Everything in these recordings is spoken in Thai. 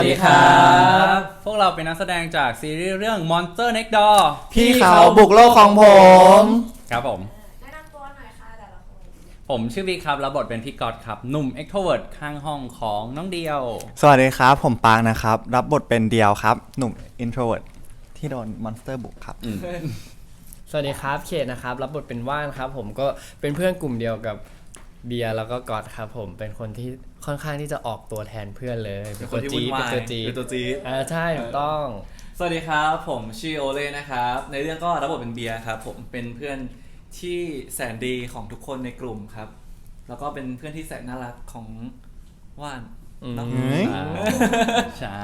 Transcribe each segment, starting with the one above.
สวัสดีครับพวกเราเป็นนักแสดงจากซีรีส์เรื่อง Monster Next Door พี่เขาบุกโลกของผมครับผมแนะนำตัวหน่อยค่ะแต่ละคนผมชื่อวิกครับรับบทเป็นพี่ก๊อตครับหนุ่ม extrovert ข้างห้องของน้องเดียวสวัสดีครับผมปางนะครับรับบทเป็นเดียวครับหนุ่ม introvert ที่โดนมอนสเตอร์บุกครับสวัสดีครับเขตนะครับรับบทเป็นว่านครับผมก็เป็นเพื่อนกลุ่มเดียวกับเบียร์แล้วก็ก๊อตครับผมเป็นคนที่ค่อนข้างที่จะออกตัวแทนเพื่อนเลยเป็นตัวจี๊ดเป็นตัวจี๊ดใช่ถูกต้องสวัสดีครับผมชื่อโอเล่นะครับในเรื่องก็รับบทเป็นเบียร์ครับผมเป็นเพื่อนที่แสนดีของทุกคนในกลุ่มครับแล้วก็เป็นเพื่อนที่แสนน่ารักของว่านเนาะใช่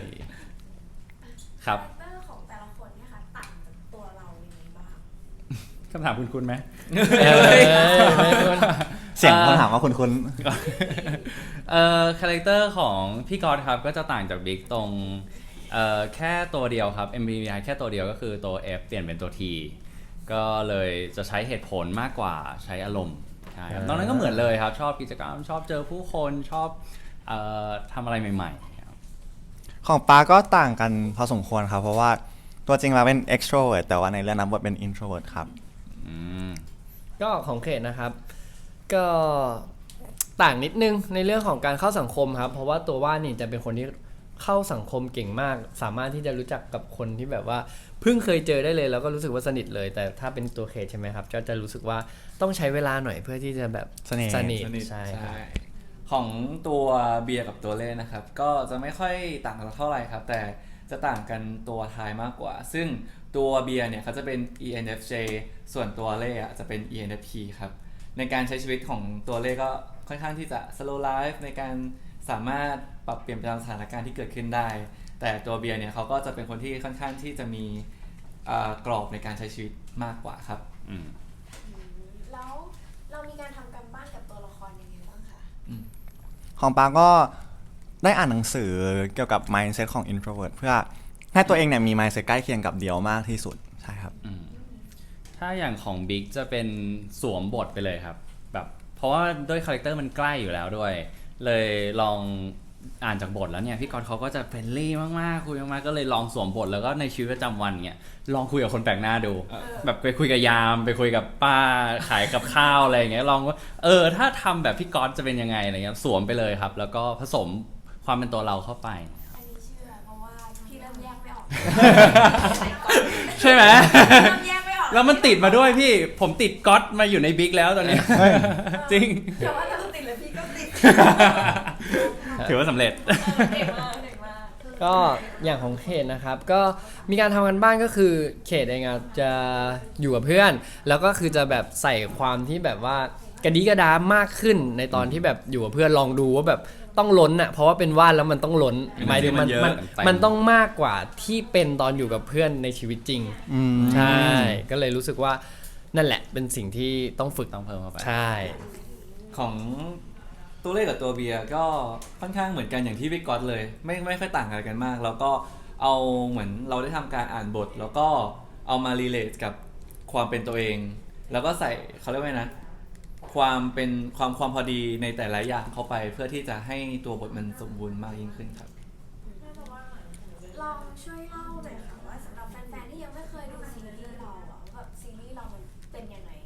ครับคาแรคเตอร์ของแต่ละคนเนี่ยค่ะต่างจากตัวเรายังไงบ้างคำถามคุณไหมไม่ควรเสียงคำถามว่าคุณคาแรคเตอร์ของพี่ก๊อตครับก็จะต่างจากบิ๊กตรงแค่ตัวเดียวครับ MBTI แค่ตัวเดียวก็คือตัว F เปลี่ยนเป็นตัว T ก็เลยจะใช้เหตุผลมากกว่าใช้อารมณ์ใช่ครับตอนนั้นก็เหมือนเลยครับชอบกิจกรรมชอบเจอผู้คนชอบทำอะไรใหม่ๆครับของปาก็ต่างกันพอสมควรครับเพราะว่าตัวจริงเราเป็น extrovert แต่ว่าในเรื่องนั้นบทเป็น introvert ครับก็ของเขตนะครับก็ต่างนิดนึงในเรื่องของการเข้าสังคมครับเพราะว่าตัวว่านนี่จะเป็นคนที่เข้าสังคมเก่งมากสามารถที่จะรู้จักกับคนที่แบบว่าเพิ่งเคยเจอได้เลยแล้วก็รู้สึกว่าสนิทเลยแต่ถ้าเป็นตัวเขตใช่ไหมครับก็จะรู้สึกว่าต้องใช้เวลาหน่อยเพื่อที่จะแบบสนิทใช่ครับของตัวเบียร์กับตัวเล่นะครับก็จะไม่ค่อยต่างกันเท่าไหร่ครับแต่จะต่างกันตัวท้ายมากกว่า ซึ่งตัวเบียร์เนี่ยเขาจะเป็น ENFJ ส่วนตัวเล่จะเป็น ENFP ครับในการใช้ชีวิตของตัวเล่ก็ค่อนข้างที่จะ slow life ในการสามารถปรับเปลี่ยนไปตามสถานการณ์ที่เกิดขึ้นได้ แต่ตัวเบียร์เนี่ยเขาก็จะเป็นคนที่ค่อนข้างที่จะมีกรอบในการใช้ชีวิตมากกว่าครับแล้วเรามีการทำกันบ้านกับตัวละครยังไงบ้างคะของปาก็ได้อ่านหนังสือเกี่ยวกับ mindset ของ introvert เพื่อให้ตัวเองเนี่ยมี mindset ใกล้เคียงกับเดียวมากที่สุดใช่ครับถ้าอย่างของบิ๊กจะเป็นสวมบทไปเลยครับแบบเพราะว่าด้วยคาแรคเตอร์มันใกล้อยู่แล้วด้วยเลยลองอ่านจากบทแล้วเนี่ยพี่ก๊อตเขาก็จะเฟรนลี่มากๆคุยมากๆก็เลยลองสวมบทแล้วก็ในชีวิตประจำวันเนี่ยลองคุยกับคนแปลกหน้าดูแบบไปคุยกับยามไปคุยกับป้าขายกับข้าวอะไรอย่างเงี้ยลองว่าถ้าทำแบบพี่ก๊อตจะเป็นยังไงอะไรเงี้ยสวมไปเลยครับแล้วก็ผสมความเป็นตัวเราเข้าไปอันนี้เชื่อเพราะว่าพี่เริ่มแยกไม่ออกใช่ไหมเริ่มแยกไม่ออกแล้วมันติดมาด้วยพี่ผมติดก๊อตมาอยู่ในบิ๊กแล้วตอนนี้ จริงแต่ว่าเราติดเลยพี่ก็ติดถือว่าสำเร็จเด็กมากเด็กมากก็อย่างของเขตนะครับก็มีการทำกันบ้านก็คือเขตเองอะจะอยู่กับเพื่อน แล้วก็คือจะแบบใส่ความที่แบบว่ากระดีกระดามากขึ้นในตอนที่แบบอยู่กับเพื่อนลองดูว่าแบบต้องล้นอะเพราะว่าเป็นว่านแล้วมันต้องล้นหมายถึงมันเยอะมันเต็มมันต้องมากกว่าที่เป็นตอนอยู่กับเพื่อนในชีวิตจริงใช่ก็เลยรู้สึกว่านั่นแหละเป็นสิ่งที่ต้องฝึกต้องเพิ่มเข้าไปใช่ของตัวเลขกับตัวเบียร์ก็ค่อนข้างเหมือนกันอย่างที่พี่ก๊อตเลยไม่ค่อยต่างอะไรกันมาก แล้วก็เอาเหมือนเราได้ทำการอ่านบท แล้วก็เอามารีเลทกับความเป็นตัวเอง แล้วก็ใส่เขาเรียกว่าไงนะความเป็นความพอดีในแต่ละอย่างเข้าไปเพื่อที่จะให้ตัวบทมันสมบูรณ์มากยิ่งขึ้นครับลองช่วยเล่าหน่อยค่ะว่าสำหรับแฟนๆที่ยังไม่เคยดูซีรีส์เราอะแบบซีรีส์เรามันเป็นยังไง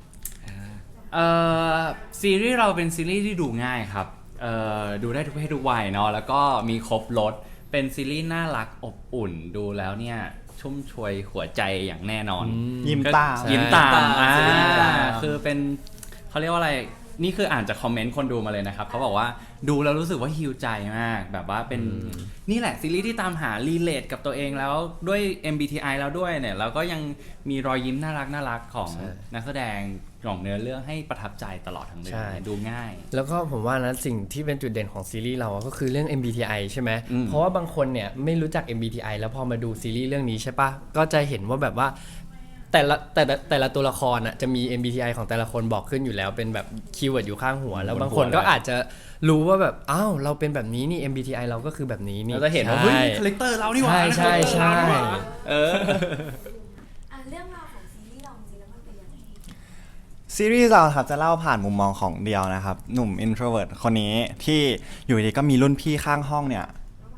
ซีรีส์เราเป็นซีรีส์ที่ดูง่ายครับดูได้ทุกเพศทุกวัยเนาะแล้วก็มีครบรสเป็นซีรีส์น่ารักอบอุ่นดูแล้วเนี่ยชุ่มชวยหัวใจอย่างแน่นอนยิ้มตามยิ้มตามซีรีส์ยิ้มตามคือเป็นเขาเรียกว่าอะไรนี่คืออ่านจากคอมเมนต์คนดูมาเลยนะครับเขาบอกว่าดูแล้วรู้สึกว่าฮีลใจมากแบบว่าเป็นนี่แหละซีรีส์ที่ตามหารีเลทกับตัวเองแล้วด้วย MBTI แล้วด้วยเนี่ยแล้วก็ยังมีรอยยิ้มน่ารักของนักแสดงของเนื้อเรื่องให้ประทับใจตลอดทั้งเรื่องดูง่ายแล้วก็ผมว่านะสิ่งที่เป็นจุดเด่นของซีรีส์เราก็คือเรื่อง MBTI ใช่ไหมอืมเพราะว่าบางคนเนี่ยไม่รู้จัก MBTI แล้วพอมาดูซีรีส์เรื่องนี้ใช่ปะก็จะเห็นว่าแบบว่าแต่ละตัวละครอ่ะจะมี MBTI ของแต่ละคนบอกขึ้นอยู่แล้วเป็นแบบคีย์เวิร์ดอยู่ข้างหัว แล้วบางคนก็อาจจะรู้ว่าแบบอ้าวเราเป็นแบบนี้นี่ MBTI เราก็คือแบบนี้นี่เราจะเห็นว่าเฮ้ยคาแรคเตอร์เรานี่หว่าใช่ใช่เรื่องราวของซีรีส์เราจริงๆแล้วมันเป็นยังไงซีรีส์เราครับจะเล่าผ่านมุมมองของเดียวนะครับหนุ่ม introvert คนนี้ที่อยู่ดีก็มีรุ่นพี่ข้างห้องเนี่ย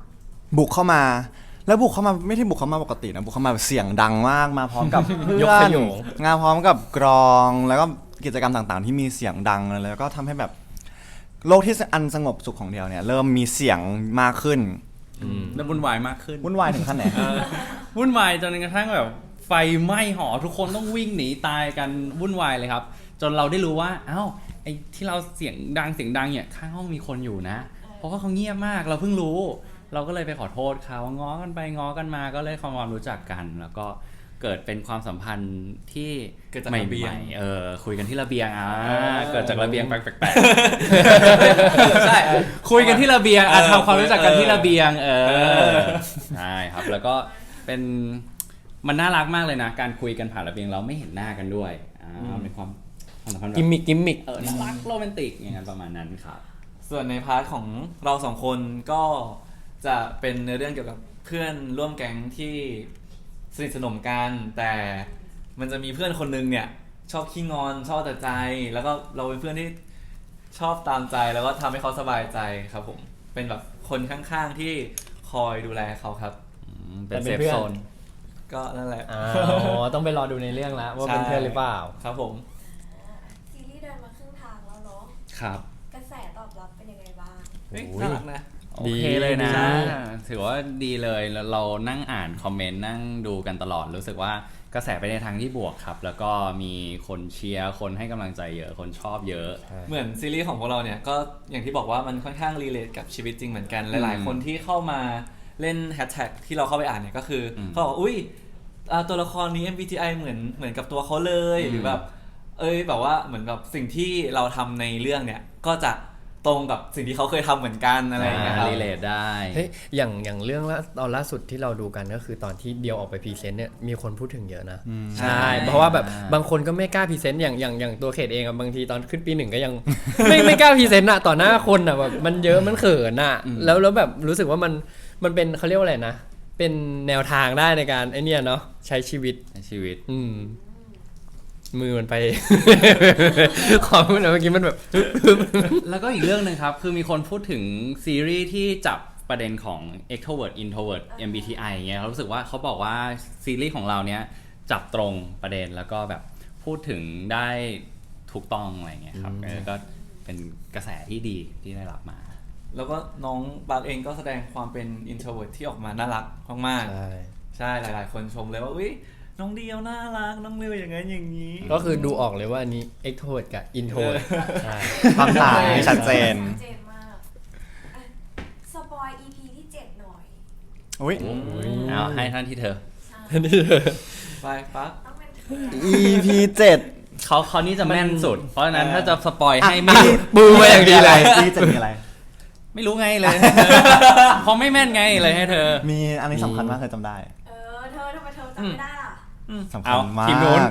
บุกเข้ามา แล้วบุกเข้ามาไม่ได้บุกเข้ามาปกตินะบุกเข้ามาแบบเสียงดังมากมาพร้อมกับเพื่ยกอขนยงงานพร้อมกับกรองแล้วก็กิจกรรมต่างๆ ที่มีเสียงดังแล้วก็ทำให้แบบโลกที่อันสงบสุขของเดียวเนี่ยเริ่มมีเสียงมากขึ้นแล้ววุ่นวายมากขึ้นวุ่นวายถึงขั้นไหนวุ่นวายจนกระทั่งแบบไฟไหม้หอทุกคนต้องวิ่งหนีตายกันวุ่นวายเลยครับ จนเราได้รู้ว่าเอ้าไอ้ที่เราเสียงดังเนี่ยข้างห้องมีคนอยู่นะ เพราะว่าเขาเงียบมากเราเพิ่งรู้ เราก็เลยไปขอโทษเขาง้อกันไปง้อกันมาก็เลยความรู้จักกัน แล้วก็เกิดเป็นความสัมพันธ์ที่เกิดจากใหระเบียงม่ๆคุยกันที่ระเบียงเกิดจากระเบียงแปลกๆ ใช่คุยกันที่ระเบียงทำความรู้จักกันที่ระเบียงใช่ครับแล้วก็เป็นมันน่ารักมากเลยนะ การคุยกันผ่านระเบียงเราไม่เห็นหน้ากันด้วยเป็นความสัมพันธ์แบบกิมมิกน่ารักโรแมนติกอย่างนั้นประมาณนั้นครับส่วนในพาร์ทของเราสองคนก็จะเป็นในเรื่องเกี่ยวกับเพื่อนร่วมแก๊งที่สนิทสนมกันแต่มันจะมีเพื่อนคนนึงเนี่ยชอบขี้งอนชอบแต่ใจ แล้วก็เราเป็นเพื่อนที่ชอบตามใจแล้วก็ทำให้เขาสบายใจครับผมเป็นแบบคนข้างๆที่คอยดูแลเขาครับเป็นเซฟโซนก็นั่นแหละอ๋อต้องไปรอดูในเรื่องแล้วว่าเป็นเพื่อนหรือเปล่าครับผมซีรีส์เดินมาครึ่งทางแล้วเนาะครับกระแสตอบรับเป็นยังไงบ้างเฮ้ยโอ้ยน่ารักนะโอเคเลยนะใช่ถือว่าดีเลยแล้วเรานั่งอ่านคอมเมนต์นั่งดูกันตลอดรู้สึกว่ากระแสไปในทางที่บวกครับ แล้วก็มีคนเชียร์คนให้กำลังใจเยอะคนชอบเยอะเหมือนซีรีส์ของพวกเราเนี่ยก็อย่างที่บอกว่ามันค่อนข้างรีเลทกับชีวิตจริงเหมือนกันหลายๆคนที่เข้ามาเล่นแฮชแท็กที่เราเข้าไปอ่านเนี่ยก็คือเขาบอกว่าอุ้ยตัวละครนี้ MBTI เหมือนกับตัวเขาเลยหรือแบบแบบว่าเหมือนกับสิ่งที่เราทำในเรื่องเนี่ยก็จะตรงกับสิ่งที่เขาเคยทำเหมือนกันอะไรอย่างเงี้ยครับรีเลทได้เฮ้ยอย่างเรื่องตอนล่าสุดที่เราดูกันก็คือตอนที่เดียวออกไปพรีเซนต์เนี่ยมีคนพูดถึงเยอะนะ ใช่ เพราะว่าแบบบางคนก็ไม่กล้าพรีเซนต์อย่างตัวเขตเองอะบางทีตอนขึ้นปีหนึ่งก็ยัง ไม่กล้าพรีเซนต์อะต่อหน้าคนอะแบบมันเยอะมันเขินอะแล้วแบบรู้สึกว่ามันเป็นเขาเรียกว่าอะไรนะ เป็นแนวทางได้ในการไอเนี่ยเนาะใช้ชีวิตในชีวิตมือมันไป ขอพูดหน่อยเมื่อกี้มันแบบแล้วก็อีกเรื่องหนึ่งครับ คือมีคนพูดถึงซีรีส์ที่จับประเด็นของ extrovert introvert MBTI เงี้ยเขารู้สึกว่าเขาบอกว่าซีรีส์ของเราเนี้ยจับตรงประเด็นแล้วก็แบบพูดถึงได้ถูกต้องอะไรเงี้ยครับก็เป็นกระแสที่ดีที่ได้รับมาแล้วก็น้องบาร์เองก็แสดงความเป็น introvert ที่ออกมาน่ารักมากใช่ๆใช่หลายๆ คนชมเลยว่าอุ๊ยน้องเดียวน่ารักน้องเร็วอย่างนั้นอย่างนี้ก็คือดูออกเลยว่าอันนี้ extrovert กับ introvert ใช่ความต่างที่ชัดเจนชัดเจนมากอ่ะสปอย EP ที่ 7 หน่อยอุ้ยเอาให้ท่านที่เธอไปปั๊บต้องเป็นเธอ EP 7 เขานี่จะแม่นสุด เพราะฉะนั้นถ้าจะสปอยให้ไม่บูมาอย่างดีเลย EP 7มีอะไรไม่รู้ไงเลย เพราะไม่แม่นไงเลยให้เธอมีอันนี้สำคัญมากเคยจำได้เธอทำไมเธอจำไม่ได้ล่ะสำคัเอาญมาทีมนู้นก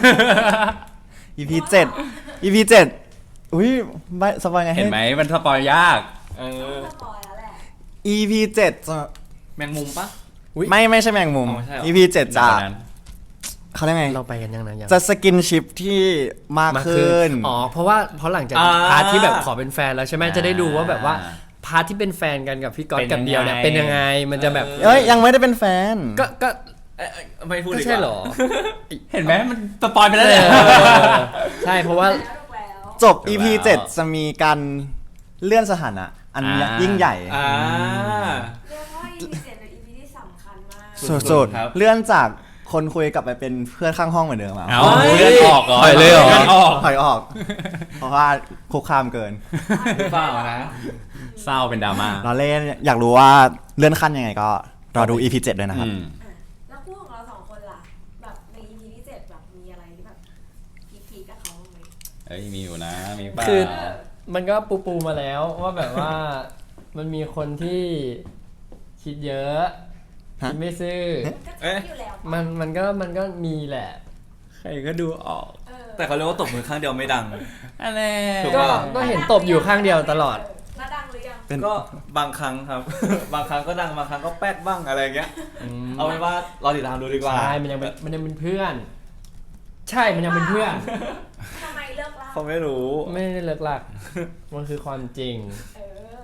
EP 7 EP 7อุ้ยไม่สบายไงเห็นไหมมันสปอยยากต้องสปอยแล้วแหละ EP 7จะแมงมุมปะไม่ใช่แมงมุมอ๋อไม่ใช่เหรอ EP 7จะเขาเรียกไงเราไปกันยังนะยังจะสกินชิปที่มากขึ้นอ๋อเพราะหลังจากพาร์ทที่แบบขอเป็นแฟนแล้วใช่ไหมจะได้ดูว่าแบบว่าพาร์ทที่เป็นแฟนกันกับพี่ก๊อตกับเดียวเนี่ยเป็นยังไงมันจะแบบเอ้ยยังไม่ได้เป็นแฟนก็ไม่พูดก็ดีกว่าใช่เหรอเห็นไหมมันสปอยไปแล้วเลยใช่เพราะว่าแล้วจบ EP 7 จะมีการเลื่อนสถานะ อันยิ่งใหญ่อ่าเรียกว่า EP 7เป็น EP ที่สำคัญมากสุดครับๆเลื่อนจากคนคุยกลับไปเป็นเพื่อนข้างห้องเหมือนเดิมอ่ะเอาเลื่อนออกเหรอถอยเลยเหรอลื่นออกถอยออก เพราะว่าคุกคามเกินหรือเปล่านะเศร้าเป็นดราม่าเราเล่นอยากรู้ว่าเลื่อนขั้นยังไงก็รอดู EP 7ด้วยนะครับแล้วคู่ของเราสองคนล่ะ แบบใน EP ที่ 7 แบบมีอะไรที่แบบพีคๆกับเขาบ้างไหมเอ้ยมีอยู่นะมีเปล่าคือ มันก็ปูมาแล้วว่าแบบว่ามันมีคนที่คิดเยอะฮะคิดไม่ซื่อก็ชัดอยู่แล้วปะมันก็มีแหละใครก็ดูออกแต่เขาเรียกว่าตบมือข้างเดียวไม่ดังอะไรถูกก็ปะก็เห็นตบอยู่ข้างเดียวตลอดแล้วดังหรือยังเป็นก็บางครั้งครับ บางครั้งก็ดังบางครั้งก็แป๊ดบ้างอะไรอย่างเงี้ย เอาเป็นว่ารอติดตามดูดีกว่าใช่มันยังเป็นเพื่อน ใช่มันยังเป็นเพื่อนทำไมเลิกเล่าเขาไม่รู้ไม่ได้เลิกลัก มันคือความจริงเออ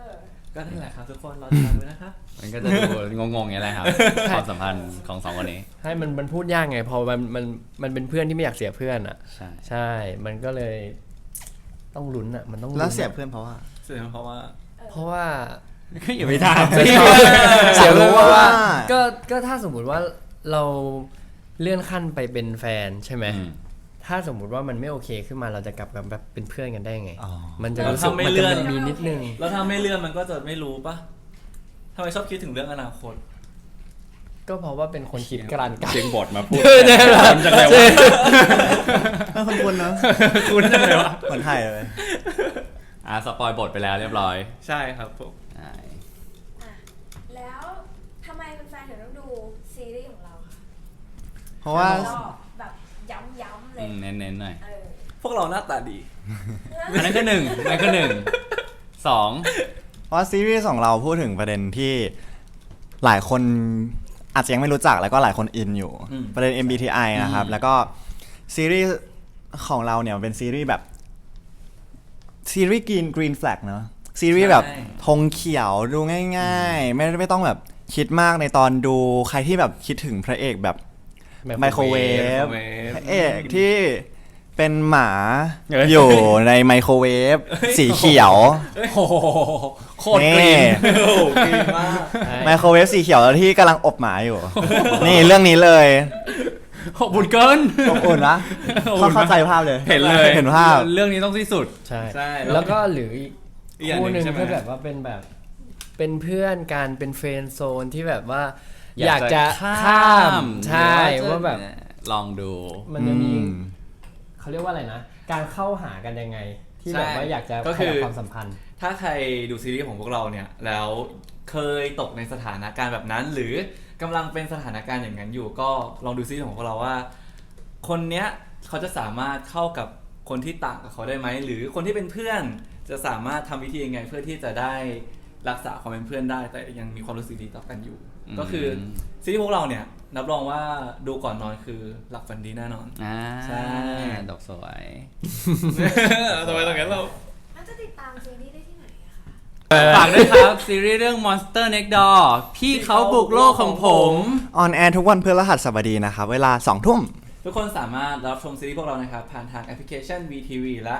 ก็นั่นแหละครับทุกคนรอติดตามด้วยนะครับมันก็จะดูงงๆอย่างนี้แหละครับ ความสัมพันธ์ของสองคนนี้ให้มันพูดยากไงพอมันเป็นเพื่อนที่ไม่อยากเสียเพื่อนอ่ะใช่ใช่ มันก็เลยต้องลุ้นอ่ะมันต้องลุ้นแล้วเสียเพื่อนเพราะว่าเสียเพราะว่าเพราะว่าก็อย่าไปถามเสียรู้ว่าก็ถ้าสมมุติว่าเราเลื่อนขั้นไปเป็นแฟนใช่ไหมถ้าสมมุติว่ามันไม่โอเคขึ้นมาเราจะกลับกันแบบเป็นเพื่อนกันได้ไงอ๋อมันจะรู้สึกเราทำไม่มันเลื่จะอนมีนิดนึงแล้วถ้าไม่เลื่อนมันก็จะไม่รู้ปะทำไมชอบคิดถึงเรื่องอนาคตก็เพราะว่าเป็นคนคิดกลั่นกันเสียงบทมาพูดเนี่ยคนจังเลยวะคุณนะคุณจังเลยวะเหมือนไทยเลยสปอยบทไปแล้วเรียบร้อยใช่ครับผมใช่อ่ะแล้วทำไมแฟนๆถึงต้องดูซีรีส์ของเราคะเพราะว่าก็แบบย้ำๆเลยเน้นๆหน่อยเออพวกเราหน้าตาดีอันนั้นก็หนึ่งอันนั้นก็หนึ่งสองเพราะซีรีส์ของเราพูดถึงประเด็นที่หลายคนอาจจะยังไม่รู้จักแล้วก็หลายคนอินอยู่อืมประเด็น MBTI นะครับ แล้วก็ซีรีส์ของเราเนี่ยเป็นซีรีส์แบบซีรีส์green flag เนอะซีรีส์แบบธงเขียวดูง่ายๆ ไม่ต้องแบบคิดมากในตอนดูใครที่แบบคิดถึงพระเอกแบบไมโครเวฟพระเอกที่เป็นหมาอยู่ในไมโครเวฟสีเขียวโอ้โหโคตรกรีนโอ้โหกรีนมากไมโครเวฟสีเขียวที่กำลังอบหมาอยู่ นี่เรื่องนี้เลยอบอุ่นเกินอบอุ่นนะอบอุ่นมากเข้าใจภาพเลยเห็นเลยเห็นภาพเรื่องนี้ต้องที่สุดใช่ใช่แล้วก็หรืออีกอีกอย่างหนึ่งคู่หนึ่งใช่ไหมก็แบบว่าเป็นแบบเป็นเพื่อนกันเป็นเฟรนด์โซนที่แบบว่าอยากจะข้ามใช่ว่าแบบลองดูมันจะมีอืมเขาเรียกว่าอะไรนะ การเข้าหากันยังไง ที่แบบว่าอยากจะก็ขคือยับความสัมพันธ์ถ้าใครดูซีรีส์ของพวกเราเนี่ยแล้วเคยตกในสถานการณ์แบบนั้น หรือกำลังเป็นสถานการณ์อย่างนั้นอยู่ก็ลองดูซีรีส์ของพวกเราว่า คนเนี้ยเขาจะสามารถเข้ากับคนที่ต่างกับเขาได้ไหมหรือคนที่เป็นเพื่อนจะสามารถทำวิธียังไงเพื่อที่จะได้รักษาความเป็นเพื่อนได้ แต่ยังมีความรู้สึกดีต่อกันอยู่ ก็คือซีรีส์พวกเราเนี่ยรับรองว่าดูก่อนนอนคือหลับฝันดีแน่นอน ใช่ดอกสวยทำไมตรงนั้นเราแล้วจะติดตามซีรีส์ได้ที่ไหนอะคะฝากด้วยครับ ซีรีส์เรื่อง Monster Next Door พี่เขาบุกโลกของผมออนแอร์ทุกวันพฤหัสบดีนะครับ เวลา 2 ทุ่มทุกคนสามารถรับชมซีรีส์พวกเรานะครับผ่านทางแอปพลิเคชัน VTV และ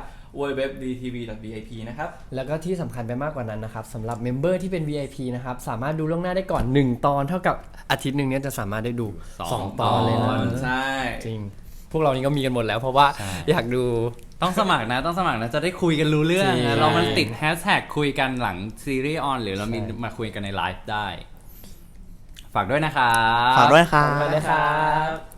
www.dtv.vip นะครับแล้วก็ที่สำคัญไปมากกว่านั้นนะครับสำหรับเมมเบอร์ที่เป็น VIP นะครับสามารถดูล่วงหน้าได้ก่อน 1 ตอนเท่ากับอาทิตย์หนึ่งเนี้ยจะสามารถได้ดู 2 ตอนเลยนะใช่จริง พวกเรานี่ก็มีกันหมดแล้วเพราะว่าใช่อยากดูต้องสมัครนะจะได้คุยกันรู้เรื่องจริงนะเรามันติดแฮชแท็กคุยกันหลังซีรีส์ออนหรือเรามีมาคุยกันในไลฟ์ได้ ฝากด้วยนะครับฝากด้วยครับไปเลยครับ